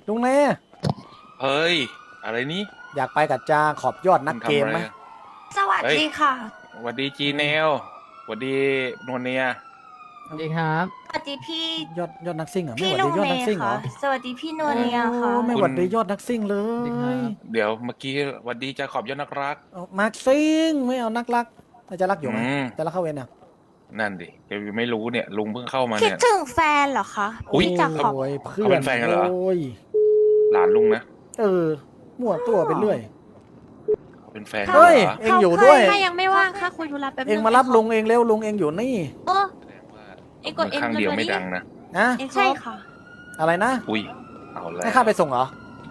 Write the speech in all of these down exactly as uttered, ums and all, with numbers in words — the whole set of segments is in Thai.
ลุงเน่เฮ้ยอะไรนี้อยากไปกับจาขอบยอดนักเกมไหมสวัสดีค่ะสวัสดีจีเนลสวัสดีนวลเนียสวัสดีครับสวัสดีพี่ยอดยอดนักซิ่งเหรอไม่พี่หวัดลุดีงยอดเนนักซิ่งเหรค่ะอสวัสดีพี่นวลเนียค่ะโอ้ไม่หวัดดียอดนักซิ่งเลสวัสดีครัยบเดี๋ยวเมื่อกี้สวัสดีจะขอบยอดนักรักเอานักซิ่งไม่เอานักรักอาจะรักอยู่ไหมอืมจะรักเข้าเวรเนี่ยนั่นดิแกไม่รู้เนี่ยลุงเพิ่งเข้ามาคิดเนี่ยถึงแฟนเหรอคะอุ๊ยพี่จะขอบโอ้ยเพื่อเขาเป็น นแฟนกันเหรอโอ้ยหลานลุงนะเออมั่วตัวไปเรื่อยเขาเป็นแฟนเฮ้ยหรอเอ็งอยู่ด้วยถ้ายังไม่ว่างค่ะคุยธุระแป๊บนึงเอ็งมารับลุงเองเร็วลุงเอ็งอยู่นี่โอ้แสดงว่าเอ็งกดมืเอ็นข้างเดียวรัวๆไม่ดิดังนะนะใช่ค่ะอะไรนะอุ้ยเอาแล้วให้ข้าไปส่งเหรอ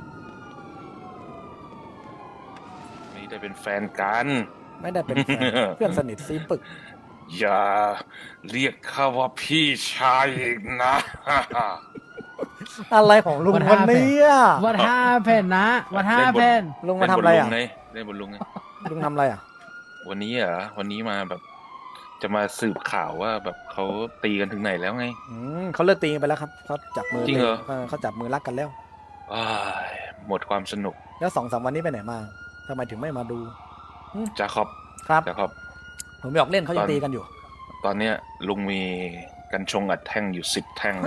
ไม่ได้เป็นแฟนกันไม่ได้เป็นแฟน เพื่อนสนิทซีปึกอย่าเรียกข้าว่าพี่ชายอีกนะอะไรของลุง What วันนี้อ่ะวัดห้าแผ่นนะวัดห้าแผ่นลุงมาทำอะไรอ่ะเล่นบนลุงไงลุงทำอะไรอ่ะวันนี้เหรอวันนี้มาแบบ จะมาสืบข่าวว่าแบบเขาตีกันถึงไหนแล้วไงอืมเขาเลิกตีกันไปแล้วครับเขาจับมือจริงเหรอเเขาจับมือรักกันแล้วอ้ายหมดความสนุกแล้วสองสามวันนี้ไปไหนมาทำไมถึงไม่มาดูจาขอบครับจาขอบผมไม่ออกเล่นเขายังตอนตีกันอยู่ตอนเนี้ยลุงมีกันชงอัดแท่งอยู่สิบแท่ง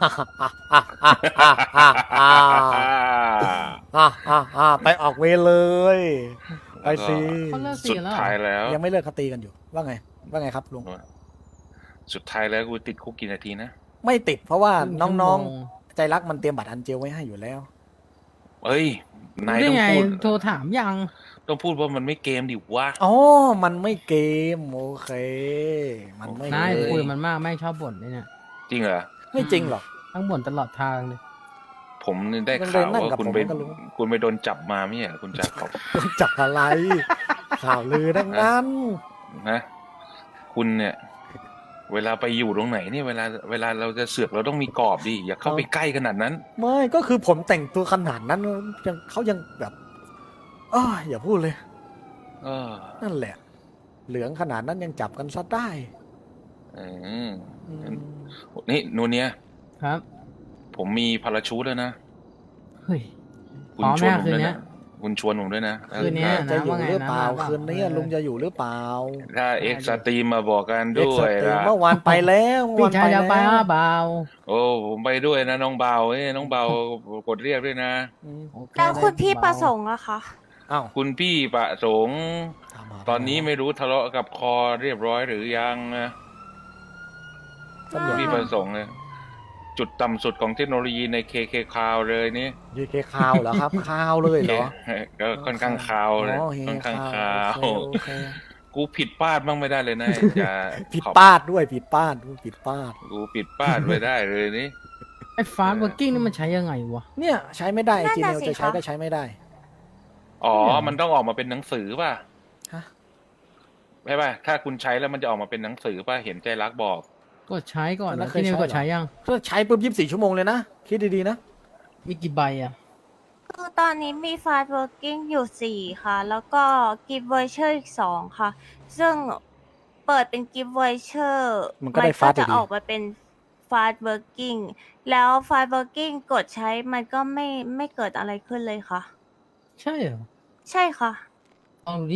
อ่าอ่าอ่าไปออกเวรเลย ไปสิเขาเลิกสุตีดแล้วเหรอท้ายแล้วยังไม่เลิกเขาตีกันอยู่ ว่าไง ว่าไงครับลุงสุดท้ายแล้วกูติดคุกกี่นาทีนะไม่ติดเพราะว่าครึ่งชั่วโมงน้องๆ ใจรักมันเตรียมบัตรอันเจลไว้ให้อยู่แล้วเอ้ยนายได้ต้องไงพูดโทรถามยังต้องพูดว่ามันไม่เกมดิวะอ๋อ มันไม่เกม โอเค มันไม่นายเกคุยมมันมากแม่งชอบบ่นเลยเนี่ยจริงเหรอไม่จริงหรอกทั้งบ่นตลอดทางเลยผมได้มันข่าวเดินนั่งว่ากับคุณผมไปก็รู้คุณไปโดนจับมาไม่ใช่เหรอคุณจาขอบจับอะไร ข่าวลือดังนั้นนะคุณเนี่ย เวลาไปอยู่ตรงไหนเนี่ยเวลาเวลาเราจะเสือกเราต้องมีกรอบดิอย่าเข้าไปใกล้ขนาดนั้นไม่ก็คือผมแต่งตัวขนาดนั้นยังเขายังแบบอ้ออย่าพูดเลยเออนั่นแหละ เหลืองขนาดนั้นยังจับกันซะได้อืมอืมนี่นูเนียครับผมมีพาราชูทแล้วนะเฮ้ยคุณพร้อมชวนไหมผมคืนด้วยเนี้นะยคุณชวนผมด้วยนะคืนเนี้ยถ้าจะอยู่หรือเปล่าว่าไงนะคืนนี้ลุงจะอยู่หรือเปล่าถ้าเอ็กซ์สตรีมมาบอกกันเด็กด้สวยตรีมนะเมื่อวานไปแล้วเมื่อพี่วานชายจะไปแล้วว่าเบาโอ้ผมไปด้วยนะน้องเบาเอ้ยน้องเบากดเรียกด้วยนะอืมโอเแล้วคุณพี่ได้ประเบาสงค์อะคะอ้าวคุณพี่ประสงค์ถามหาตอนนี้ไม่รู้ทะเลาะกับคอเรียบร้อยหรือยังนะตำรคุวณจพี่ประสงค์เนี่ยจุดต่ำสุดของเทคโนโลยีในเคเคคาวเลยนี่ยูเคคาวเหรอครับ คาวเลยเหรอก็ค่อนข้างคาวเลยอ๋อเฮค่อนข้างคาวโอเคโอเคกูผิดพลาดบ้างไม่ได้เลยนะจะผิดขอบพลาดด้วยผิดพลาดด้วยผิดพลาดกูผิดพลาดไม่ได้เลยนี่ไอ้ฟาสต์เวิร์กิ้งนี่มันใช้ยังไงวะเนี่ยใช้ไม่ได้นั่นจีน่ะเนลสิจะใช้คะก็ใช้ไม่ได้อ๋อ มันต้องออกมาเป็นหนังสือป่ะฮะใช่ป่ะ ถ้าคุณใช้แล้วมันจะออกมาเป็นหนังสือป่ะ เห็นใจรักบอกกดใช้ก่อนแล้นะวเคที่ยนี่ใช้เหรอกดใช้ยังถ้าใช้ปุ๊บยี่สิบสี่ชั่วโมงเลยนะ คิดดีๆนะมีกี่ใบอ่ะคือตอนนี้มี fast working อยู่สี่ค่ะ แล้วก็ gift voucher อีกสองค่ะ ซึ่งเปิดเป็น gift voucher มันก็ได้ก็ fast จะอยู่ดีออกมาเป็น fast working แล้ว fast working กดใช้มันก็ไม่ไม่เกิดอะไรขึ้นเลยค่ะใช่เหรอใช่ค่ะลองดูดิ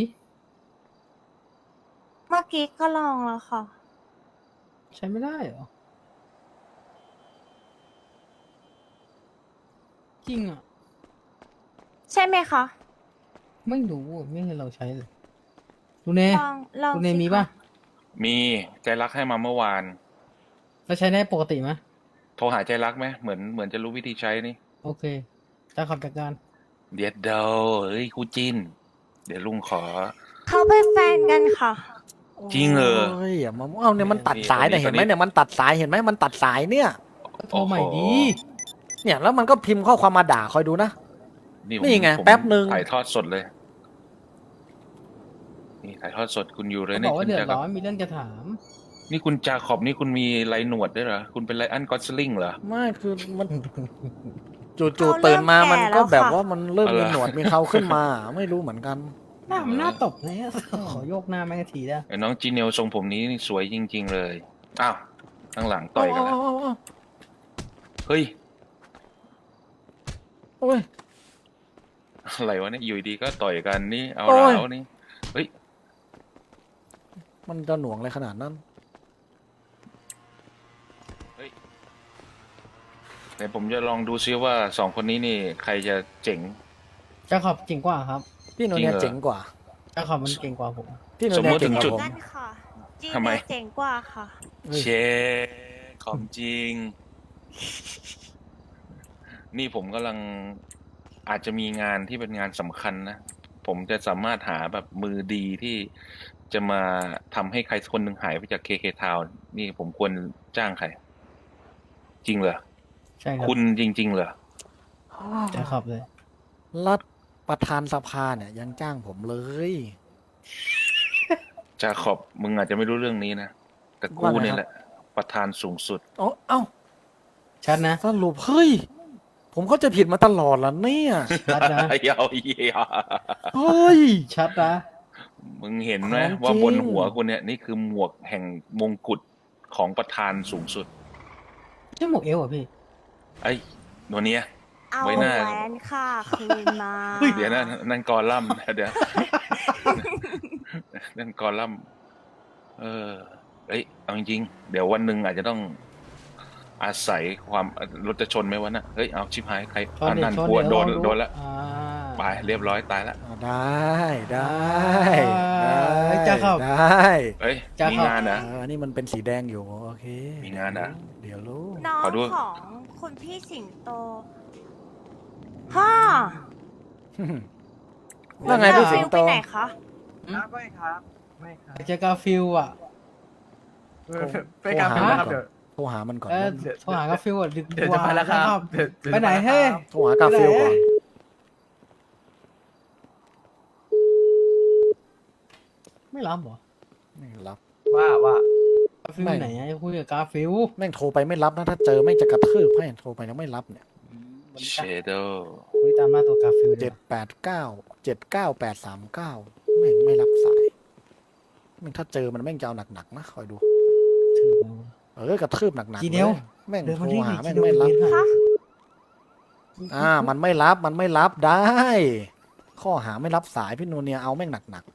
เมื่อกี้ก็ลองแล้วค่ะใช้ไม่ได้เหรอ จริงอ่ะใช่ไหมคะไม่รู้อะไม่เคยเราใช้เลยดูเน่ลองลองดูเน่สิมีคะป่ะมีใจรักให้มาเมื่อวานเราใช้ได้ปกติไหมโทรหาใจรักไหมเหมือนเหมือนจะรู้วิธีใช้นี่โอเคจะขับจากการเดี๋ยวเดาเฮ้ยกูจิน เดี๋ยวลุงขอเขาเป็นแฟนกันค่ะจริงเหรอโอ้ยอย่ามาเอาเนี่ยมันตัดนี่สายเนี่ยนี่เห็นไหมนี่เนี่ยมันตัดสายเห็นไหมมันตัดสายเนี่ยก็โทรใหม่ดีเนี่ยแล้วมันก็พิมพ์ข้อความมาด่าคอยดูนะนี่ผมนี่ไงผมแป๊บหนึ่งถ่ายทอดสดเลย นี่ถ่ายทอดสดคุณอยู่เลยเขาเนี่บอกว่าคุณเดือดจาขร้ออบ นมีเรื่องจะถามนี่คุณจาขอบนี่คุณมีไรหนวดด้วยเหรอ คุณเป็นไรอันกอสลิงเหรอไม่คือมันเขาจู่เริ่มๆตื่นมาแก่มันก็แล้วแบบค่ะว่ามันเริ่มอะไรมีหนวดมีเขาขึ้นมา ไม่รู้เหมือนกันหน้ามันหน้าตบเลยอะขอโยกหน้าแม่งทีได้ไอ้น้องจีเนลทรงผมนี้นี่สวยจริง ๆ เลย อ้าวข้างหลังต่อยกันแล้วเอาเอาเอาเอาเฮ้ยโอ้ยอะไรวะเนี่ยอยู่ดีก็ต่อยกันนี่เอาโอ้ยแล้วนี่เฮ้ยมันจะหน่วงอะไรขนาดนั้นเดี๋ยวผมจะลองดูซิว่าสองคนนี้นี่ใครจะเจ๋งจะขอบเก่งกว่าครับพี่โนเนียจริงเหรอเจ๋งกว่าจะขอบมันเก่งกว่าผมพี่โนสมเนีมุยติเก่งกถึงจุดว่าผมนั่นค่ะจีทำไมเนียเจ๋งกว่าค่ะเฮ้ยเชของจริง นี่ผมกำลังอาจจะมีงานที่เป็นงานสำคัญนะ ผมจะสามารถหาแบบมือดีที่จะมาทำให้ใครสักคนหนึ่งหายไปจากเคเคทาวนี่ผมควรจ้างใคร จริงเหรอใช่ครับคุณจริง ๆ เหรอจะขอบเลยรัฐประธานสภาเนี่ยยังจ้างผมเลยจาขอบมึงอาจจะไม่รู้เรื่องนี้นะ แต่กูว่าไงเนี่ยครับแหละ ประธานสูงสุดเอ้าเอ้าชัดนะสรุปเฮ้ย ผมเข้าใจผิดมาตลอดแล้วเนี่ยชัดนะเยาวเยียเฮ้ยชัดนะมึงเห็นไหมของจริงว่าบนหัวกูเนี่ยนี่คือหมวกแห่งมงกุฎของประธานสูงสุดใช่หมวกเอวเหรอ่ะพี่ไอ้โนเนียเอาไว้แหหน้าวนค่ะคืนมาเดี๋ยวนะนั่นกอลัมน์นะเดี๋ยว นั่นกอลัมน์เออเอ้ยเอาจริงๆเดี๋ยววันหนึ่งอาจจะต้องอาศัยความรถจะชนไหมวะน่ะเฮ้ยเอาชิบหายใครชนอันเด็นั่กนชนกลัวเด็กโดนลองโดนละอ่าไปเรียบร้อยตายละอ่าได้ได้ได้เอ้ยจะเข้าได้เฮ้ยจะมีเข้างานนะเอออันนี้มันเป็นสีแดงอยู่โอเคมีงานนะเดี๋ยวรู้น้องขอดูของคุณพี่สิงโตฮ่าว่าไงพี่สิงโตไปไหนคะครับไม่ครับ ไม่ครับเจอกาฟิลอ่ะไปกาแฟนะครับเดี๋ยวโทรหามันก่อนเออเดี๋ยวโทรหากาฟิลอ่ะดึกเดี๋ยวกจะว่าไปแล้วครับเดี๋ยวดี๋ยวไปไหนจะเฮ้ยครับโทรหากาฟิลก่อนไม่รับเหรอไม่รับว่าว่ากาฟิลไหนอะคุยกับกาฟิลแม่งโทรไปไม่รับนะถ้าเจอแม่งจะกระทืบให้โทรไปแล้วไม่รับเนี่ยเชโดคุยตามหน้าตัวกาฟิลเจ็ดแปดเก้าเจ็ดเก้าแปดสามเก้าแม่งไม่รับสายแม่งถ้าเจอมันแม่งจะเอาหนักๆนะคอยดูถือเออกระทืบหนักๆจีเดียวลแม่งเดินโทมาร นี่หาดิแม่งจีเดียวไม่รับเดินคะอ่า มันไม่รับมันไม่รับได้ ข้อหาไม่รับสายพี่นูเนียเอาแม่งหนัก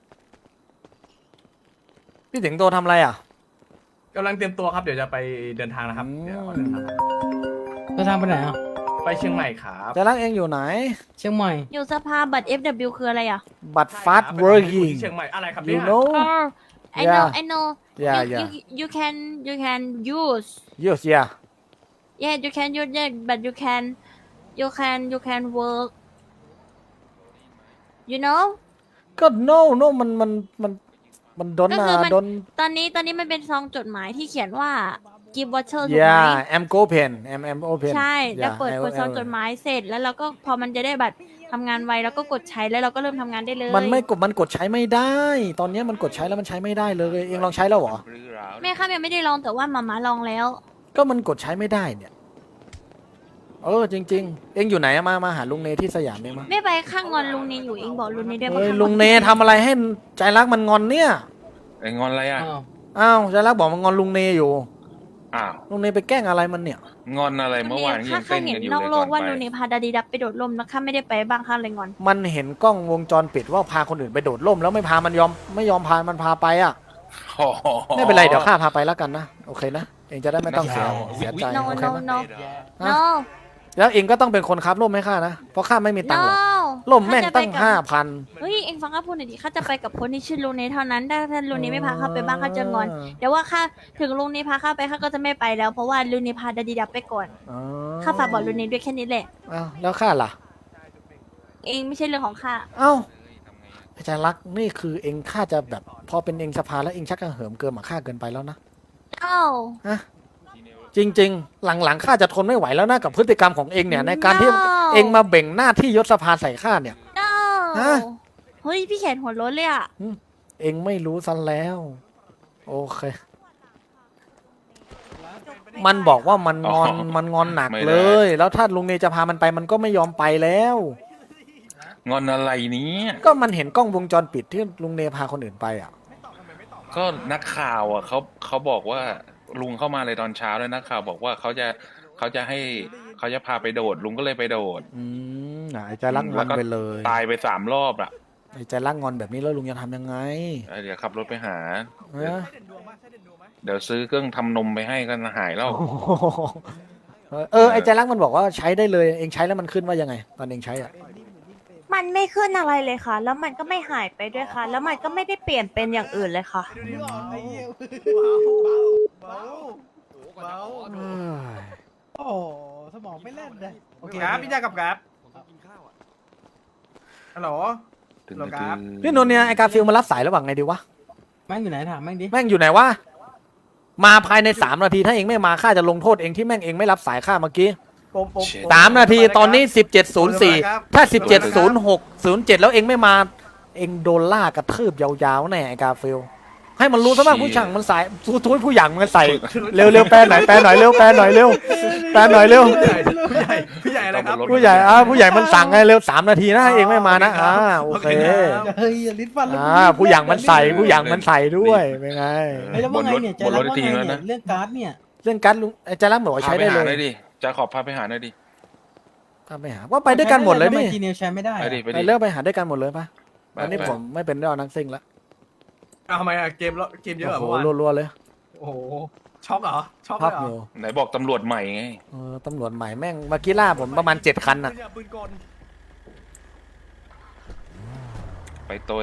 ๆพี่สิงโตทำอะไรอ่ะกำลังเตรียมตัวครับเดี๋ยวจะไปเดินทางนะครับอืมเดี๋ยวเดินทางจะทางไปไหนอ่ะไปเชียงใหม่ครับจะรักเองอยู่ไหนเชียงใหม่อยู่สภาบัตร เอฟ ดับเบิลยู คืออะไรอ่ะบัตรใช่ฟาสครับเวิร์กิงที่เชียงใหม่อะไรครับ you เนี่ย know Oh I know Yeah. I know yeah you, yeah you you can you can use yes yeah yeah you can use that but you can you can you can work you know ก็ no no มันมันมันมันดนก็อ่ะคือมันดนตอนนี้ตอนนี้มันเป็นซองจดหมายที่เขียนว่า give voucher ถูกไหม yeah am go pen am am open ใช่ แล้ว Yeah, เปิด I- กดซอง I- จดหมายเสร็จแล้วเราก็พอมันจะได้บัตรทำงานไวแล้วก็กดใช้แล้วเราก็เริ่มทำงานได้เลยมันไม่กดมันกดใช้ไม่ได้ ตอนนี้มันกดใช้แล้วมันใช้ไม่ได้เลย เองลองใช้แล้วเหรอแม่ค่ะยังไม่ได้ลองแต่ว่ามาม่าลองแล้วก็มันกดใช้ไม่ได้เนี่ย เออจริง ๆ เองอยู่ไหนอะมามาหาลุงเนที่สยามเองมาไม่ไปข้างงอนลุงเนอยู่เองบอกลุงเนด้วยมาเฮ้ยข้างลุงเนทำอะไรให้ใจรักมันงอนเนี่ยไอ้งอนอะไรอ่ะอ้าวอ้าวใจรักบอกมันงอนลุงเนอยู่อ้าวลุงเนไปแกล้งอะไรมันเนี่ยงอนอะไรเมื่อวานข้ายังข้าเต้นเห็นกันอยู่นอกเลยโลก่กอนว่าไปลุงเนพาดาดีดับไปโดดร่มแล้วข้าไม่ได้ไปบ้างข้าเลยงอนมันเห็นกล้องวงจรปิดว่าพาคนอื่นไปโดดร่มแล้วไม่พามันยอมไม่ยอมพามันพาไปอ่ะโอ้โหไม่เป็นไรเดี๋ยวข้าพาไปแล้วกันนะโอเคนะเองจะได้ไม่ต้องเสียเสียใจ no โอเค no นะ no no แล้วเองก็ต้องเป็นคนครับร่มให้ข้านะเพราะข้าไม่มีตัง no ค์หรอกร่มแม่งตั้งข้จะไปกับห้าพันเฮ้ยเอ็งฟังข้าพูดหน่อยดิข้าจะไปกับคนที่ชื่อลุงเนเท่านั้นถ้าท่านลุงเนไม่พาข้าไปบ้างข้าจะงอนเดี๋ยวว่าข้าถึงลุงเนพาข้าไปข้าก็จะไม่ไปแล้วเพราะว่าลุงเนพาดาดีดับไปก่อนอ๋อข้าฝากบอกลุงเนด้วยแค่นี้แหละอ้าวแล้วข้าล่ะเองไม่ใช่เรื่องของข้าเอ้าอาจารย์รักษณ์นี่คือเองข้าจะแบบพอเป็นเองสภาแล้วเองชักกระเหิมเกินมาข้าเกินไปแล้วนะเอ้าฮะจริง ๆ หลังๆข้าจะทนไม่ไหวแล้วนะกับพฤติกรรมของเองเนี่ยในการที่ No เองมาเบ่งหน้าที่ยศสภาใส่ข้าเนี่ย no ฮะเฮ้ยพี่แขนหัวโล้นเลยอ่ะเองไม่รู้ซะแล้ว โอเค มันบอกว่ามันงอนมันงอนหนักเลย แล้วถ้าลุงเนจะพามันไปมันก็ไม่ยอมไปแล้วงอนอะไรเนี้ก็มันเห็นกล้องวงจรปิดที่ลุงเนพาคนอื่นไปอ่ะก็นักข่าวอ่ะเขาเขาบอกว่าลุงเข้ามาเลยตอนเช้าแล้วนักข่าวบอกว่าเขาจะเขาจะให้เขาจะพาไปโดด ลุงก็เลยไปโดดอืมอ่ะไอ้ใจรักงอนไปเลยตายไปสามรอบอ่ะไอ้ใจรักงอนแบบนี้แล้วลุงจะทำยังไงเออเดี๋ยวขับรถไปหาเออเดี๋ยวซื้อเครื่องทำนมไปให้ก็หายแล้วโอ้โหเออไอ้ใจรักมันบอกว่าใช้ได้เลยเองใช้แล้วมันขึ้นว่ายังไง ตอนเองใช้อ่ะมันไม่ขึ้นอะไรเลยค่ะ แล้วมันก็ไม่หายไปด้วยค่ะ แล้วมันก็ไม่ได้เปลี่ยนเป็นอย่างอื่นเลยค่ะเบาเอ้ยโอ้สมองไม่เล่นเลยโอเคครับพี่แจ๊คกับครับฮัลโหลถึงเหรอคจะรับพี่นนท์เนี่ยไอ้กาฟิลมารับสายระหว่างไงดีวะแม่งอยู่ไหนถามแม่งดิแม่งอยู่ไหนวะ มาภายในสามนาทีถ้าเองไม่มาข้าจะลงโทษเองที่แม่งเองไม่รับสายข้าเมื่อกี้ผมผมผมสามนาทีตอนนี้สิบเจ็ดศูนย์สี่ถ้าสิบเจ็ดศูนย์หกศูนย์เจ็ดแล้วเองไม่มา เองโดนล่ากระทืบยาวๆแน่ไอ้กาฟิลให้มันรู้ซะบ้างผู้ช่างมันสายทุยผู้หยั่งมันใส่เร็วเร็วแปลหน่อยแปลหน่อยเร็วแปลหน่อยเร็วแปลหน่อยเร็วผู้ใหญ่ผู้ใหญ่อะไรครับผู้ใหญ่อ่าผู้ใหญ่มันสั่งไงเร็วสามนาทีนะเองไม่มานะอ่าโอเคเฮ้ยอย่าลิ้นฟันแล้วอ่าผู้หยั่งมันใส่ผู้หยั่งมันใส่ด้วยเป็นไงเฮ้ยแล้วว่าไงเนี่ยใจบนรรัถกว่าทีไงแล้วเนี่ยนะเรื่องการ์ดเนี่ยเรื่องการดลุงไอ้ใจรักบอกว่าพาใช้ไปได้หาเลหน่อย ยดิจะขอบพาไปหาหน่อยดิพาไปหาว่าไปด้วยกันหมดเลยทำไมนี่จีเนียใช้ไม่ได้ไปอะดิไปไปดิเลิกไปหาด้วยกันหมดเลยปะไปอันนี้ไปผมไม่เป็นเรื่องนักซิ่งละอ้าวทำไมอะเกมแล้วเกมเยอะเหรอโอ้เมื่อโหวานรัวๆเลยโอ้โหช็อกเหรอช็อกเลพัยบเหรออยู่ไหนบอกตำรวจใหม่ไงเออตำรวจใหม่แม่งเมื่อกี้ล่าผมประมาณเจ็ดคันน่ะปืนปืนกลไปตัว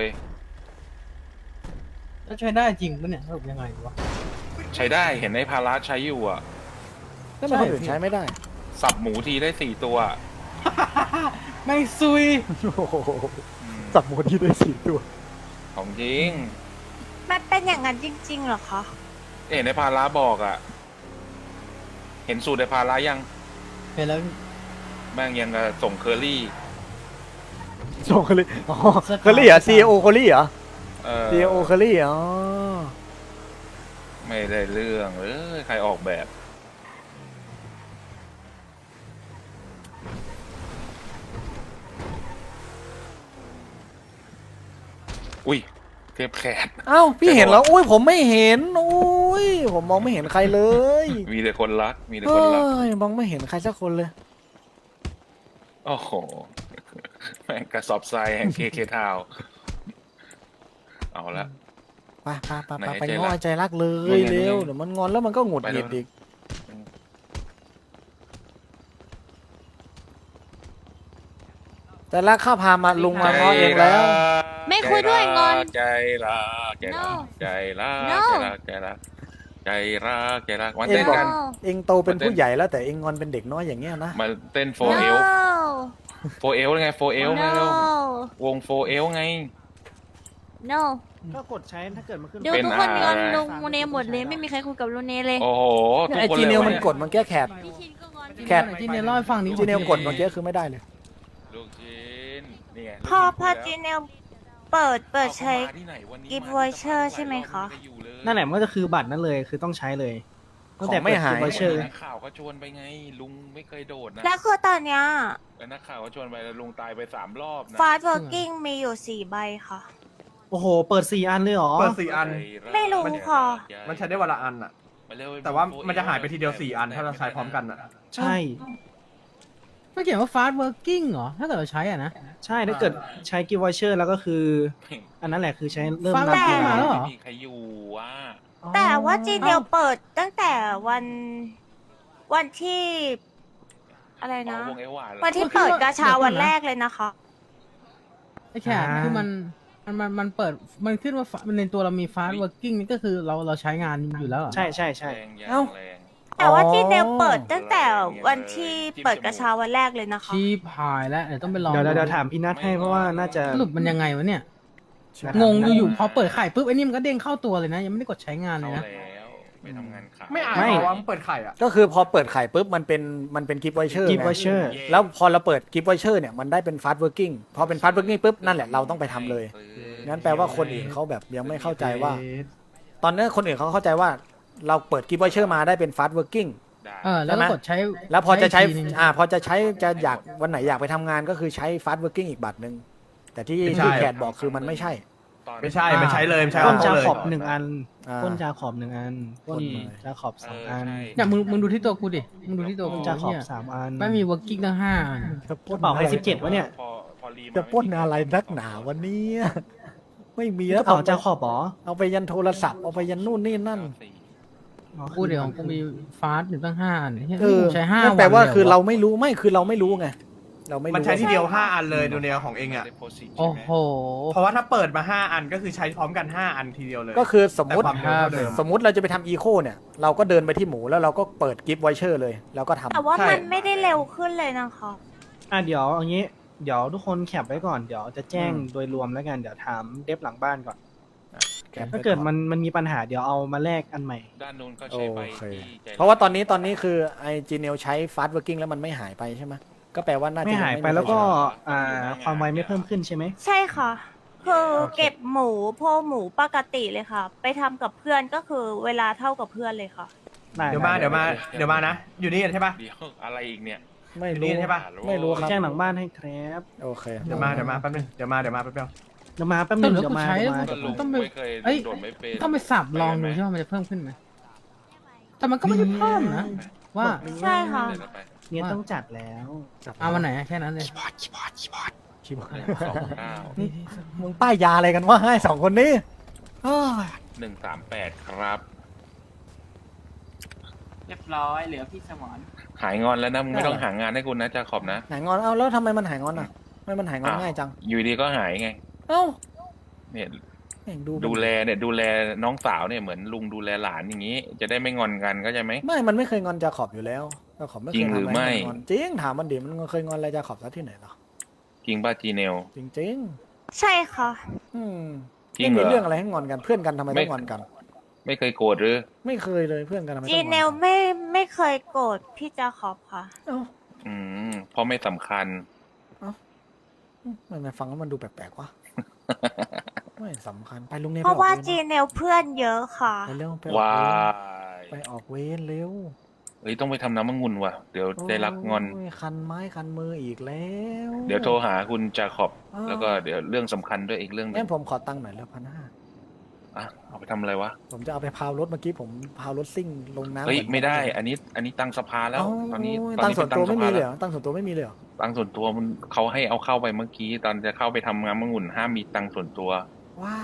แล้วใช้ได้จริงปะเนี่ยสรุปยังไงวะใช้ได้เห็นไอ้พาราใช้อยู่อ่ะแล้วมันคนอื่นใช้ไม่ได้สับหมูทีได้สี่ตัวไม่ซุยโอ้โหอืมสับหมูที่ได้สี่ตัวของจริงมันเป็นอย่างนั้นจริงๆเหรอคะเห็นไอ้พาราบอกอ่ะ เห็นสูตรไอ้พารายังเห็นแล้วแม่งยังกับส่งเคอรี่ส่งเคอรี่อ๋อเคอรี่เหรอซีโอเคอรี่เหรอเออซีโอเคอรี่อ๋อไม่ได้เรื่องเอ้ยใครออกแบบ อุ้ยเทปแขนเอ้าพี่เห็นแล้วอุ้ยผมไม่เห็นอุ้ยผมมองไม่เห็นใครเลยมีแต่คนรัก มีแต่เฮ้คนรักยมองไม่เห็นใครสักคนเลยโอ้โห แม่งกระสอบทรายแห่งเคเคทาว เอาละไปไปไปไหนไปไปใจง้รัอก ใจรักเลนี่ยไงเร็วนี่ไงเดี๋ยวมันงอนแล้วมันก็หงุดหงิดไปเร็วอีกแต่รักข้าพามาลุงมาง้อเองแล้วไม่คุยด้วยงอนใจรักใจรัก No ใจรัก No ใจรักใจรักใจรักใจรักมาเอ็เต้งนบอกกันเองโตเป็นผู้ใหญ่แล้วแต่เองงอนเป็นเด็กน้อยอย่างเงี้ยนะมาเต้นโฟ no เอลโฟเอลไงโฟเอลไง no วงโฟเอลไง no ก็กดใช้ถ้าเกิดมันขึ้นดูเป็นทุกคนอะไรงอนลุงมูเนหมดเลยไม่มีใครคุยกับลุงเนเลยโอ้โหทุกไอคนจีเลยเนลวะมันเนี่ยกดมันแก้แขกพี่ชินก็งอนแคทจีเนียเล่าให้ฟังนี้จีเนลกดเมื่อกี้คือไม่ได้เลยลูกชิ้นนี่ไงพอพอจีเนลเปิดเปิดใช้เอาเข้ามาที่ไหนวันนี้ gift มา voucher ที่สภาใช่ไหมคะลายรอบไม่ได้อยู่เลยนั่นแหละมันก็จะคือบัตรนั่นเลยคือต้องใช้เลยตั้งแต่ของไม่หายเปิด voucher นักข่าวก็ชวนไปไง ลุงไม่เคยโดดนะแล้วคือตอนเนี้ยแล้วนักข่าวก็ชวนไปแล้วลุงตายไปสามรอบนะฟาสต์เวิร์กิ้งมีอยู่สี่ใบค่ะโอ้โห เปิดสี่อันเลยเหรอเปิดสี่อันไม่รู้ค่ะมันใช้ได้วันละอันอะมาเร็วแต่ว่ามันจะหายไปทีเดียวสี่อันถ้าเราใช้พร้อมกันอะใช่ไม่เขียนว่า fast working เหรอ ถ้าเกิดเราใช้อ่ะนะใช่ถ้าเกิดใช้ gift voucher แล้วก็คือ อันนั้นแหละคือใช้เริ่มฟังนับแต่เวลามาแล้วเหรอไม่มีใครอยู่ว่ะแต่ว่าจีเนลเปิดตั้งแต่วันวันที่ อะไรนะอ๋อวงเอวหวานเหรอวันที่เปิดกาชาวันแรกเลยนะคะไอ้แขกคือมันมันมันมันเปิดมันขึ้นว่า fa- มันในตัวเรามี fast working นี่ก็คือเราเราใช้งานอยู่แล้วเหรอใช่ใช่ใช่แรงยังเอ้าแรงแต่ว่าจีเนลเปิดตั้งแต่วันที่เปิดกาชาวันแรกเลยนะคะชีพหายแล้วเดี๋ยวต้องไปลองเดี๋ยวเดี๋ยวเดี๋ยวถามพี่นัทให้เพราะว่าน่าจะสรุปมันยังไงวะเนี่ยนะงงอยู่ๆพอเปิดไข่ปุ๊บไอ้นี่มันก็เด้งเข้าตัวเลยนะ ยังไม่ได้กดใช้งานเลเข้ายนะแล้วไปทำงานข่าวไม่อายไม่เหรอว่ามันเปิดไข่อะก็คือพอเปิดไข่ปุ๊บมันเป็นมันเป็นกิฟต์ไวเชอร์ gift voucher แล้วพอเราเปิดกิฟต์ไวเชอร์เนี่ยมันได้เป็นฟาสต์เวิร์กิ่งพอเป็นฟาสต์เวิร์กิ่งปุ๊บนั่นแหละเราต้องไปทำเลย งั้นแปลว่าคนอื่นเขาแบบยังไม่เข้าใจว่า ตอนนี้คนอื่นเขาเข้าใจว่าเราเปิดกิฟต์ไวเชอร์มาได้เป็นฟาสต์เวิร์กิ่งได้เออแล้วก็กดใช้แล้วพอจะใช้อีกทีนึงอ่าพอจะใช้จะอยากวันไหนอยากไปทำงานก็คือใช้ฟาสต์เวิร์กิ่งอีกบัตรหนึ่งแต่ที่ไม่ใช่ที่แขกบอกคือมันไม่ใช่ตอนไม่ใช่มันใช้เลยมันใช้ปล้เอานจาเลยขอบหนึ่งอันอ่าปล้นจาขอบหนึ่งอันปล้นปล้นเลยจาขอบสองอันเใช่เนี่ยมึงมึงดูที่ตัวกูดิมึงดูที่ตัวปล้กูนจาขอบเนี่ยสามอันไม่มี working ตั้งห้าอันจะปล้นกระเป๋าใครสิบเจ็ดวะเนี่ยพอพอรีมาจะปล้นอะไรนักหนาวันนี้ ไม่มีกแล้วระเป๋าจาขอบเหรอเอาไปยันโทรศัพท์เอาไปยันนู่นนี่นั่นอ๋อกูเดี๋ยวของกูมีฟาสต์อยู่ตั้งห้าอันเฮ้ยเออกูใช้ห้านั่นวันแปลว่าลยหคือเราไม่รู้ไม่คือเราไม่รู้ไงเราไม่รู้มันใช้ทีเดียวห้าอันเลยดูแนวของเองอ่ะโอ้โหเพราะว่าถ้าเปิดมาห้าอันก็คือใช้พร้อมกันห้าอันทีเดียวเลยก็คือสมมติแต่ความเร็วเท่าเดิมสมมติเราจะไปทำอีโคเนี่ย เราก็เดินไปที่หมูแล้วเราก็เปิดกิฟต์ไวเชอร์เลยแล้วก็ทำแต่ว่าใช่มันไม่ได้เร็วขึ้นเลยนะคะอ่ะเดี๋ยวเอางี้ เดี๋ยวทุกคนแคปไว้ก่อน เดี๋ยวจะแจ้งอืมโดยรวมแล้วกัน เดี๋ยวถามเดฟหลังบ้านก่อนแคปไว้ถ้าเกิดอนมันมันมีปัญหาเดี๋ยวเอามาแลกอันใหม่ด้านนู้นก็โอใช้ไปเคที่ใจเพราะว่าตอนนี้ตอนนี้คือไอจีเนลใช้ฟาสต์เวิร์กิ่งแล้วมันไม่หายไปใช่ไหมก็แปลว่าน่าจะไม่หายไปงแล้วก็ใครใช้อ่าความไวไม่เพิ่มขึ้นใช่ไหมใช่ค่ะ คือโอเคเก็บหมูโพหมูปกติเลยค่ะ ไปทำกับเพื่อนก็คือเวลาเท่ากับเพื่อนเลยค่ะได้เดี๋ยวมาไเดี๋ยวมาเดี๋ยวมานะ อยู่นี่กันใช่ปะเดี๋ยวอะไรอีกเนี่ยไม่นี่รู้ใช่ปะไม่รู้ครับแจ้งหลังบ้านให้ครับโอเคเดี๋ยวมาเดี๋ยวมาแป๊บนึงเดี๋ยวมาเดี๋ยวมาแป๊บเดียวเดี๋ยวมาแป๊บต้นึนงแล้วเดี๋ยกูวมาใช้เดี๋ยวมาก็ลุงต้องไปไม่เคยเอ้ยโดดไม่เป็นต้องไปสับลองดูใช่ไหมมันจะเพิ่มขึ้นไหมแต่มันก็ไม่ได้เพิ่มนะว่าใช่ค่ะเดี๋ยวเราไปเนี่ยต้องจัดแล้วเอาวันไหนอะแค่นั้นเลยชิบหายสองเก้านี่มึงป้ายยาอะไรกันวะให้สองคนนี้อ้าวหนึ่งสามแปดครับเรียบร้อยเหลือพี่สมรหายงอนแล้วนะมึงไม่ต้องหางานให้คุณนะจาขอบนะหายงอนเอาแล้วทำไมมันหายงอนอ่ะทำไมมันหายงอนอ้าวง่ายจังอยู่ดีก็หายไงเอ้าเนี่ยแม่งดูดูแลเนี่ยดูแลน้องสาวเนี่ยเหมือนลุงดูแลหลานอย่างนี้ จะได้ไม่งอนกันก็ใช่ไหมไม่มันไม่เคยงอนจาขอบอยู่แล้วจาขอบไม่เคจริยงทำหรืออะไรไม่ให้งอนจริงถามมันดิมันเคยงอนอะไรจาขอบซะที่ไหนหรอจริงป่ะจีเนลจริงใช่ค่ะๆอืมจริงไม่เหรอมีเรื่องอะไรให้งอนกันเพื่อนกันทำไมไม่ต้องงอนกันไม่เคยโกรธหรือไม่เคยเลยเพื่อนกันทำไมต้องจีงอนเนลไม่ไม่เคยโกรธพี่จาขอบค่ะเอ้าอืมเพราะไม่สำคัญทำไมฟังแล้วมันดูแปลกๆวะ ไม่สำคัญไปลุงเนยเพราะว่าไปออกจีเวรเนลเพื่อนเยอะค่ะไปเร็วไปออกว้าเวรยไปออกเวรเร็วเอ้ยต้องไปทำน้ำมะงุนว่ะ เดี๋ยวใจรักงอนโยคันไม้คันมืออีกแล้วเดี๋ยวโทรหาคุณจาขอบอ้าวแล้วก็เดี๋ยวเรื่องสำคัญด้วยอีกเรื่องหนึงั้งนผมขอตังค์หน่อยแล้วพันห้าอ่ะเอาไปทำอะไรวะผมจะเอาไปพาวรถเมื่อกี้ผมพาวรถซิ่งลงน้ำเฮ้ยเหอนไม่ได้ อันนี้ อันนี้ตังสภาแล้วเอ้าตอนนี้ตตัอนงค์นี้ส่วนตัวไม่มีเลยเหรแล้วอตังค์ส่วนตัวไม่มีเลยเหรอตังส่วนตัวมันเขาให้เอาเข้าไปเมื่อกี้ ตอนจะเข้าไปทำงานมะงุนห้ามมีตังส่วนตัวว้าย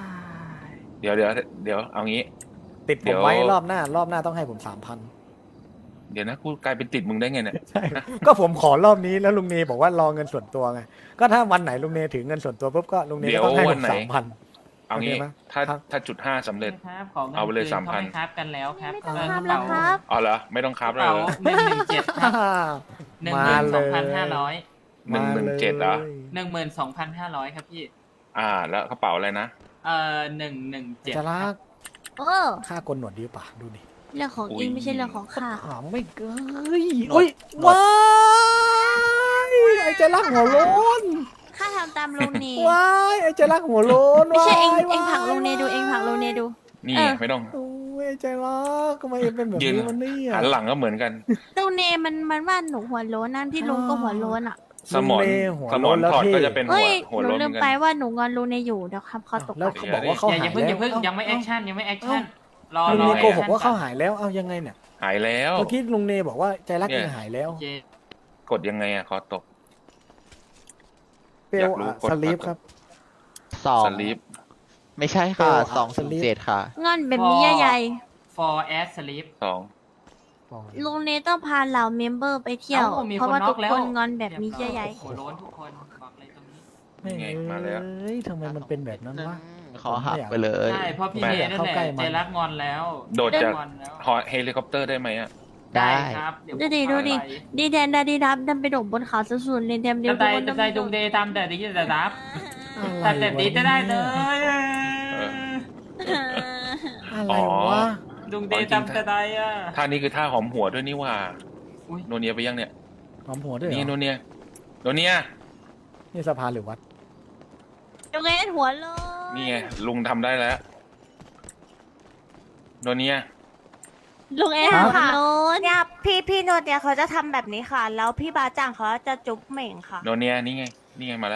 เดี๋ยวเดี๋ยวเดี๋ยวเอางี้ติดผเดี๋มยวไว้รอบหน้ารอบหน้าต้องให้ผมสามพันเดี๋ยวนะกูกลายเป็นติดมึงได้ไงเนี่ยใช่ ก็ผมขอรอบนี้แล้วลุงเนยบอกว่ารอเงินส่วนตัวไงก็ถ้าวันไหนลุงเนยถือเงินส่วนตัวปุ๊บก็ลุงเนยเดี๋ก็ยวต้องให้ผวันมไหนสามพันเอางี้โอเคไหมถ้าครับถ้าจุดห้าสำเร็จครับของงินเอาไปเลยคืนสามพันเขาไม่ครับกันแล้วครับไม่ต้องเออทำกแล้ระวคเป๋ารับอ๋อเหรอไม่ต้องคกรับระเลยเป๋าหนึ่งหนึ่งเจ็ดครับหนึ่งหมามื่นเลสองยพันห้าร้อยหนึ่งหนึ่งเจ็ดเหรอหนึ่งหมื่นสองพันห้าร้อยครับพี่อ่า แล้วกระเป๋าอะไรนะเอ่อหนึ่งหนึ่งเจ็ดจะรักเออค่ากลหนวดดีป่ะดูดิเรื่องของอุ๊อิยงไม่ใช่เรื่องของข้าถามไม่เกยอุ้ยว้ายไอ้เจรักหัวโล้นข้าทำตามลุงเนว้ายไอ้เจรักหัวโล้นไม่ใช่เองว้ายเองผลักว้ายลุงเนดูเองผลักลุงเนดูนี่เออไม่ต้องโอ้ยไอ้ใจรักทำไมเอ็งเป็นแบบยืนนี้วันนี้อ่ะหันหลังก็เหมือนกันลุงเนมันมันว่าหนูหัวโล้นนั่นที่ลุงก็หัวโล้นอ่ะสมอนลุงเนหัวสมโล้อนนแล้วถอดเท่ก็จะเป็นหัเอ้วย หัวหนูโล้นเหลืมืมอนไปกันว่าหนูงอนลุงเนอยู่เดี๋ยวครับเขาตกแล้วเขาบอกว่าเขาอย่าหาอย่าย เพิ่งอย่าเพิ่งแล้วยังไม่แอคชั่นยังไม่แอคชั่นรอลุงรอเนโกหกว่าเขาหายแล้วเอายังไงเนี่ยหายแล้วเมื่อกี้ลุงเนบอกว่าใจรักเนี่ยยังหายแล้วโอเคกดยังไงอะคอตกเปลอยากรู้อะกดสลีปครับสองสลีปไม่ใช่ค่ะเปลวอะสองสศูนลิย์ปเจ็ดค่ะงอนแบบนี้ใหญ่ for as sleep สองๆลุงเนต้องพาเหล่าเมมเบอร์ไปเที่ยวอ้มีเพราะว่าน็ทุอกกแล้วคนงอนแบบนี้ใหญ่หัวโล้นทุกคนบอกเลยตรงนี้ไม่ไงมาแล้วเอ้ยทำไมมันเป็นแบบนั้นวะขอหักไปเลยใช่เพราะพี่ไม่เนนั่นเข้าแหละใกล้มันใจรักงอนแล้วโดดจากงอนแล้วหอเฮลิคอปเตอร์ได้ไหมอะได้ครับเยวๆดูดิผมดูดิพาไปดีแดนดาดีดับดันไปโดดบนเขาสุดๆเลยแดมเดียวตาทุกใจคนตาใจดุงเดย์ตามแต่ดีแต่รับอะไรแต่แต่ดีจะได้เลวะยอะไรวะดุงเดย์ตามแต่ใดอ่ะท่านี้คือท่าหอมหัวด้วยนี่หว่าอุ๊ยโนเนียไปยังเนี่ยหอมหัวด้วยเหรนี่โนอเนียโนเนียนี่สะพานหรือวัดลุงเนหัวโลนนี่ไงลุงทำได้แล้ว โนเนียลุงเอหัวโลนเนี่ยพี่พี่โนเดียเขาจะทำแบบนี้ค่ะ แล้วพี่บาจังเขาจะจุ๊บเหม่งค่ะโนเนียนี่ไง นี่ไงมาแล้ว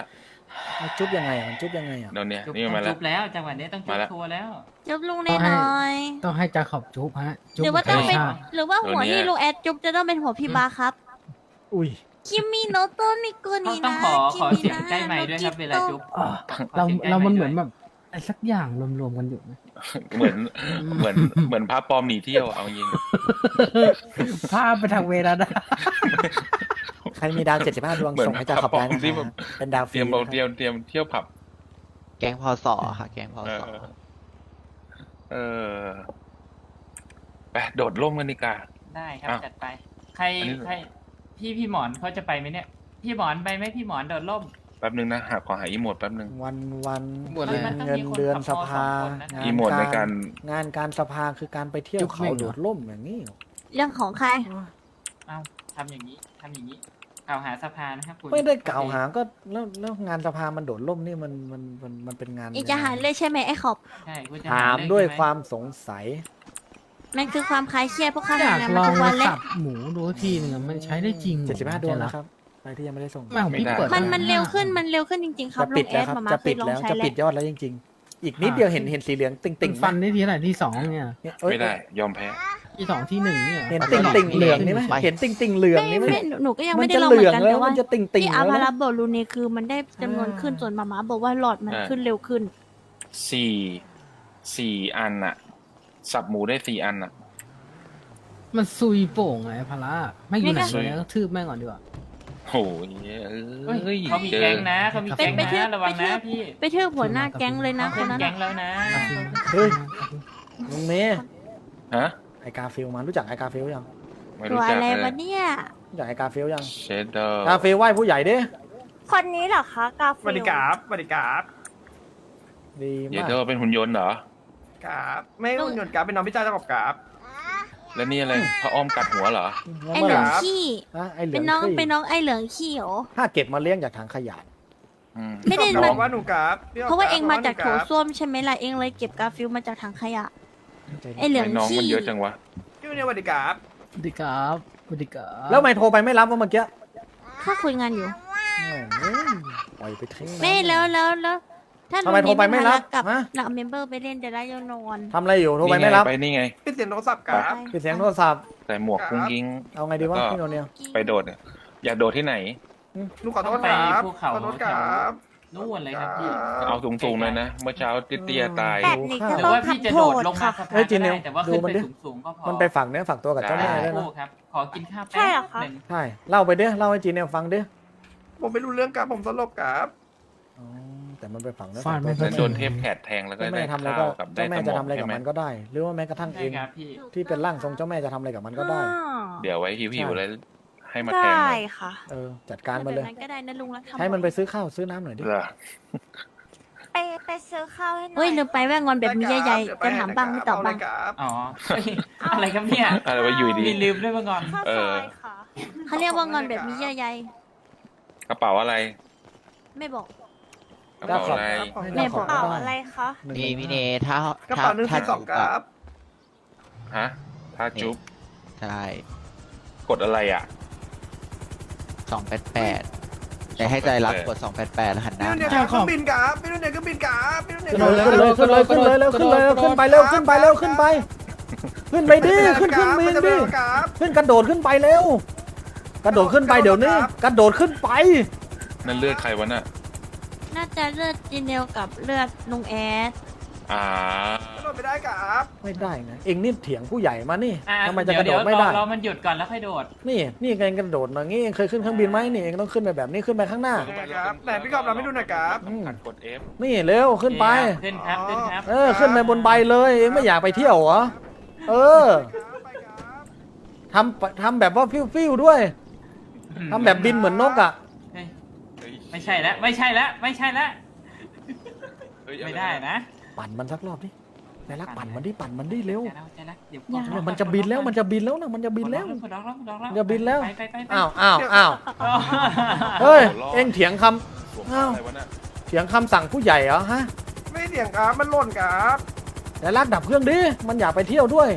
มันจุ๊บยังไงอะมันจุ๊บยังไงอ่ะเดี๋ยวเนี้ยจุ๊บนี่ต้องมาแล้จุ๊วบแล้วจังหวะนี้ต้องจุ๊มาบแล้วทัวร์แล้วจุ๊บลุงเนหน่อยต้องให้จาขอบจุ๊บฮะจุ๊บหรือว่าต้องเป็นธรรมชาติหรือว่าหัวที่ลุงแอดจุ๊บจะต้องเป็นหัวพี่บาครับอุ้ยคิมิโนโตะนิโกต้อนิงต้องนะขอคิขอมิเสียงนะใกล้ไมค์ด้วยครับเวลาจุ๊บอ่าขอเราสียงใกล้เรามันค์เหมือนด้วยแบบอะไรสักอย่างรวมๆกันอยู่นะเหมือนเหมือนเหมือนพระปลอมหนีเที่ยวเอาจริงภาพไปทางเวลาได้ใครมีดาวเจ็ดสิบห้าดวงเหมือนส่งให้จ่าขอบได้นะที่คแบรับบ เป็นดาวฟเตรีรียมบอกนะเตรียมเตรียมเที่ยวผับแกงพอสอค่ะ แกงพอเอสออ เออไปโดดร่มกันดีกว่าได้ครับอ่ะจัดไป ใครอันนี้ใครพี่พี่หมอนเขาจะไปไหมเนี่ย พี่หมอนไปไหมพี่หมอนโดดร่มแป๊บนึงนะหาขอหาอีโมดแป๊บนึงวันวันหมดเลยเงินเงินเดือนสภามันต้องมีคนขับมอสองคนนะงานอีโมดในการงานการสภาคือการไปเที่ยวจุ๊บเขาแม่งเหรอโดดร่มอย่างนี้เรื่องของใครเอ้าทำอย่างนี้ทำอย่างนี้กล่าวหาสภานะครับคุณไม่ได้กล่าวหาก็แล้วแล้วงานสภามันโดดร่มนี่มันมันมันมันเป็นงานอีกจะหารเลยใช่ไหมไอ้ขอบใช่คุณจะถามเรื่องด้วยใช่ไหความสงสัยมันคือความคลายเครียดเพราะข้าอยากทำงานลมาองทุกวันเลยสับหมูดูทีหนึงอะมันใช้ได้จริงเรอเจ็ดสิบห้าดวงใจรันะกครับใครที่ยังไม่ได้ส่งแม่ของพี่เปิดมันมันเร็วขึ้นมันเร็วขึ้นจริงๆ ครับจะลุปิดงแอแล้วดครับมามาจะเคปิยดลองแล้วใช้จะแล้ปิดวยอดแล้วจริง ๆ อีกนิดเดียวเห็นเห็นสีเหลืองติ่งติติ่งงฟันได้ทีไหนที่สองเนี่ยไม่ได้ ยอมแพ้ที่สองที่หนึ่งเนี่ยเห็นติ่งติ่งเหลืองนี่ไหมเห็นติ่งติ่งเหลืองไม่นี่ไหมไม่หนูก็ยังมัไม่นได้จะลองเหเหมืลืออน งกันแล้วแต่ว่ามันจะติ่งติ่งที่แล้อาว พานะราโบลูนี่คือมันได้จำนวนขึ้นอ่าส่วนมาม่าบอกว่าหลอดมันอ่าขึ้นเร็วขึ้นสี่สี่อันอะสับหมูได้สี่อันอะมันซุยโป่งไงพาระไม่อยู่ไหนซุยเลยก็ทืบแม่งก่อนดีกว่าโอ้ยเฮ้ยเอ้ยเขามีเจอแก๊งนะเขามีไปแก๊งไปเที่ยวนะระวังไปเที่นะยวพี่ไปเทือกหัวหน้าแก๊งเลยนะคเป็น นนั้นแก๊อะงแล้วนะเฮ้ย ลุงเมย์ฮะไอกาฟิลมารู้จักไอกาฟิลยังไม่ตัรู้วจักอะไรเลวะยเนี่ยรู้จักไอกาฟิลยังเชดเดอร์กาฟิลไหว้ผู้ใหญ่ดิคนนี้เหรอคะกาสวัสดีครับสวัสดีครับดีเชมาดกเดอร์เป็นหุ่นยนต์เหรอครับไม่หุ่นยนต์ครับเป็นน้องพี่จ้าเจ้าของครับแล้วนี่อะไรพระอ้อมกัดหัวเหรอไอเมื่อเหไหลืร่องขี้ฮะไอเหลืเป็อน งน้องขี้เป็นน้องไอเหลืองขี้เหรอถ้าเก็บมาเลี้ยงจากถังขยะอืมไม่ได้พี่มับนอกว่าหนูครับพี่บกเพราะว่าเองมาจากหโถนูครับส้วมใช่ไหมล่ะเองเลยเก็บกาฟิลมาจากถังขยะ ไอเหลืองไอ้น้องขี้มันเยอะจังวะพี่วันนี้สวัสดีครับสวัสดีครับสวัสดีครับแล้วทำไม่โทรไปไม่รับว่าเมื่อกี้ถ้าคุยงานอยู่แม่งปล่อยไปทิ้งน้ำไม่แล้วแล้วแล้วถ้าทำไมโทรไปไม่รับกับฮะเราเมมเบอร์ไปเล่นเดี๋ยวได้ยนอนทำอะไรอยู่โทรไปไม่รับนี่งไปนี่ไงพี่เสียงโทรศัพท์ครับปิดเสียงโทรศัพท์ใส่หมวกกุ้งกิ้งเอาไงดีวะแล้วก็พี่โนเนียไปโดดเนี่ยอยากโดดที่ไหนหนูขอโทษครับไปภูเขาขอโทษครับนู่นเลยครับพี่เอาสูงๆเลยนะ เมื่อเช้าเตี้ยๆตายแบบนี้ก็หรือต้องว่าพี่ทำจะโทโดดษลงมาค่ะสะพาเฮ้ยนจีก็เนียได้วแต่ว่าดูขึ้นมัไปนดิสูงๆก็พอมันไปฝักเนื้อฝักตัวกับเจ้าแม่ด้วยโอ้นะครับขอกินข้าวใช่เหรอคะหนึ่งใช่ เล่าไปดิเล่าให้จีเนียฟังดิผมไม่รู้เรื่องครับผมตลกครับอ๋อแต่มันไปฝังเนื้อฟาฝัดกไม่ตัวค่แล้อวย โดนเทพแขดแทงแล้วก็เจ้าแม่ได้ทำอะไรข้าก็วกับได้เจ้าแม่สมจะองทำอะไรกับใช่ไหมมันก็ได้ หรือว่าแม้กระทั่งเอใช่งครับพี่ที่เป็นร่างทรงเจ้าแม่จะทำอะไรกับมันก็ได้เดี๋ยวไว้หิวใช่ๆแล้วให้มาแทงหน่อยค่ะเออ จัดการมันเลยแบบนั้นก็ได้นะลุงแล้วทำให้มันไปซื้อข้าวซื้อน้ำหน่อยดิเหรอไปไปซื้อข้าวให้หน่อยเฮ้ยลืมไปว่างอนแบบนี้ใหญ่ๆจะถามบ้างไม่ตอบบ้างเครับอ๋อเฮ้ยอะไรครับเนี่ยอะไรวะอยู่ดีมีลืมด้วยมาก่อนเออเขาเรียกว่างอนแบบนี้ใหญ่กระเป๋าอะไรๆไม่บอกกระเป๋าอะไรแม่บอกเปล่าอะไรคะนี่พี่เนถ้ากระถ้าเป๋าหนึ่งถ้าสี่สองครับฮะถ้าจุ๊บใช่กดอะไรอ่ะสองแปดแปดแต่ให้ใจรักกดสองแปดแปดหันหพี่น้าวันนี้ครับเครื่องบินครับพี่วันนี้เครื่องบินครับพี่วันนี้ขึ้นเลยขึ้นเลยขึ้นเลยขึ้นเลยเร็วขึ้นเลยเร็วขึ้นไปเร็วขึ้นไปเร็วขึ้นไป ขึ้นไปดิขึ้นเครื่องบินดิครับขึ้นกระโดดขึ้นไปเร็ว กระโดดขึ้นไปเดี๋ยวนี้ กระโดดขึ้นไปนั่นเลือดใครวะน่ะน่าจะเลือดจีเนลกับเลือดลุงแอดอ่ากระโดดไม่ได้ครับไม่ได้ไงเองนี่เถียงผู้ใหญ่มานี่อ่ะทำไมจะเดี๋กยวระโดเดี๋ยวดไม่ได้รอรอมันหยุดก่อนแล้วค่อยโดดนี่นี่ไงกระโดดอย่างงี้เองเคยขึ้นเครื่องบินไหมนี่เองต้องขึ้นไปแบบนี้ขึ้นไปข้างหน้าครับไหนพี่กอบเราไม่ดูหน่อยครับอืมขัดกด F นี่เร็วขึ้นไปขึ้นครับขึ้นครับเออขึ้นไปบนใบเลย เองไม่อยากไปเที่ยวเหรอเออไปครับทำทำแบบว่าฟิวๆด้วยทำแบบบินเหมือนนกอ่ะเฮ้ยเฮ้ยไม่ใช่แล้วไม่ใช่แล้วไม่ใช่แล้วเฮ้ยไม่ได้นะปั่นมันสักรอบดิใจรักปั่นมันดิปั่นมันดิเร็วใจแล้วใจแล้วเดี๋ยวเนี่ยมันจะบินแล้วมันจะบินแล้วนะมันจะบินแล้วกดล็อกแล้วกดล็อกแล้วอย่าบินแล้วไปไปไปไปอ้าวอ้าวอ้าวอ๋อเฮ้ยเองเถียงคำสวมอ้าวอะไรวะน่ะเถียงคำสั่งผู้ใหญ่เหรอฮะไม่เสี่ยงครับมันหล่นครับใจรักดับเครื่องดิมันอยากไปเที่ยวด้วย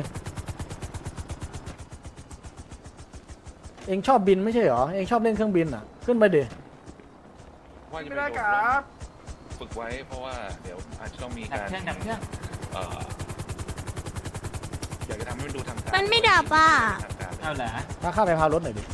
เองชอบบินไม่ใช่เหรอเองชอบเล่นเครื่องบินอ่ะ ขึ้นไปดิไหวว่าจะไม่ไปได้โดคดรัร่มบฝึกไว้เพราะว่าเดี๋ยวอาจจะต้องมีดับการเครื่องดับเครื่องเอ่ออยากจะทำให้มันดูทางการมันไม่ดับอ่ะทางการเอาเหรอถ้าข้าไปพารถหน่อยดิ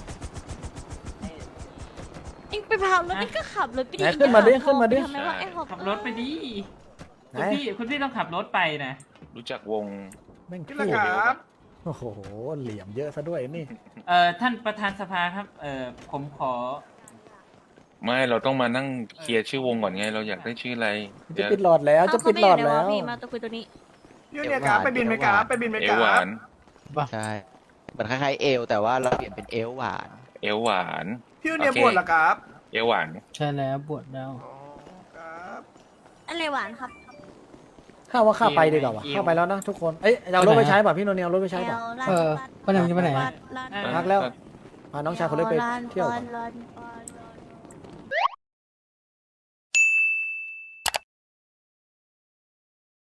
เองไปพารถนี่ก็ขับรถไปดิไหนขึ้นมาดิขึ้นมาดิทำไมว่าไอ้หอบขับรถไปดิไหนคุณพี่คุณพี่ต้องขับรถไปนะรู้จักวงแม่งนี่พูแหละดครับโอ้โหเหลี่ยมเยอะซะด้วยนี่เอ่อท่านประธานสภาครับ เอ่อผมขอไม่เราต้องมานั่งเคลียร์ชื่อวงก่อนไง เราอยากได้ชื่ออะไรจะเดี๋ยวปิดหลอดแล้วจะปิดหลอดแล้วพี่มาตัวคุยตัวนี้ยูเนี่ยครับไปบินไหมครับไปบินไหมเอควหรัวาบนใช่เหมือนคล้ายๆเอลแต่ว่าเราเปลี่ยนเป็นเอลหวานเอวหวานพี่ยูเนี่ยโอเคบวชเหรอครับเอวหวานใช่แล้วบวชแล้วอ๋อครับอะไรหวานครับข้าว่าข้าไปดีกว่าวะข้าไปแล้วนะทุกคน เอ้ยเอารถไปใช้ป่ะพี่โนเนียเอารถไปใช้ป่ะเออไปไหนจะไปไหนลาดลาดพักแล้ว พาน้องชายคนเล็กไปเที่ยวลาก่อนดลาดลาด